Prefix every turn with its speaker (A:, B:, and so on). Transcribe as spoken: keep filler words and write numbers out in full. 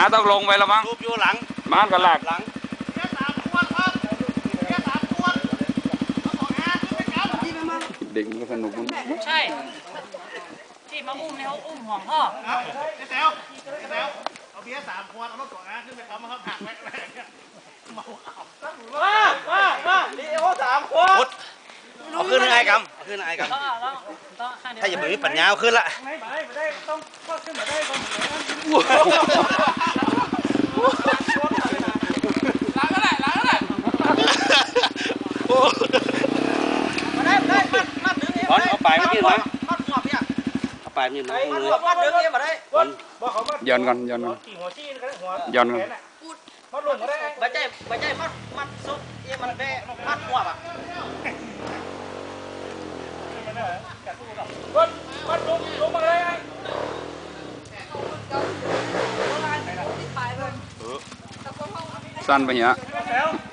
A: าต้องลงไปแล้วมั้ง
B: รูปอยู่หลัง
A: ม้านกันหลัก
B: หลังแค่สามขวดครับแค่สามขวดเอาของอาขึ้นไปครับ
A: เด็กมันก็สนุกมั้ง
C: ใช่ที่มาอุ้มเนี่ยเขาอุ้มห่วงพ่อ
B: ไอ้แซวไอ้แซวเอาเบียร์สามขวดเอารถของอาขึ้นไปครับมาครับหักแม่แม่เนี่ยเมาขับมามามาดีโอสามขวดเอาขึ้นไงกำเอาขึ้นไงกำถ้าอย่าไปมีปัญญาเอาขึ้นละไม่ได้ไม่ได้ต้องขึ้นมาได้ก่อนล้างก็ได้ล้างก็ได้มาได้ได้มัดมัดดึงเองบอลเอาปลายมายืนนะมัดหัวพี่อ่ะเอาปลายมายืนนะมัดหัวมัดดึงเองมาได้บอล
A: ย้อนกันย้อนกันย้อนกัน
B: มัดลงมาได้ใบใจใบใจมัดมัดซุปเองมันได้มัดหัวอ่ะมัดมัดลงลงมาเลยไอ้
A: สั้นไปเนี้ย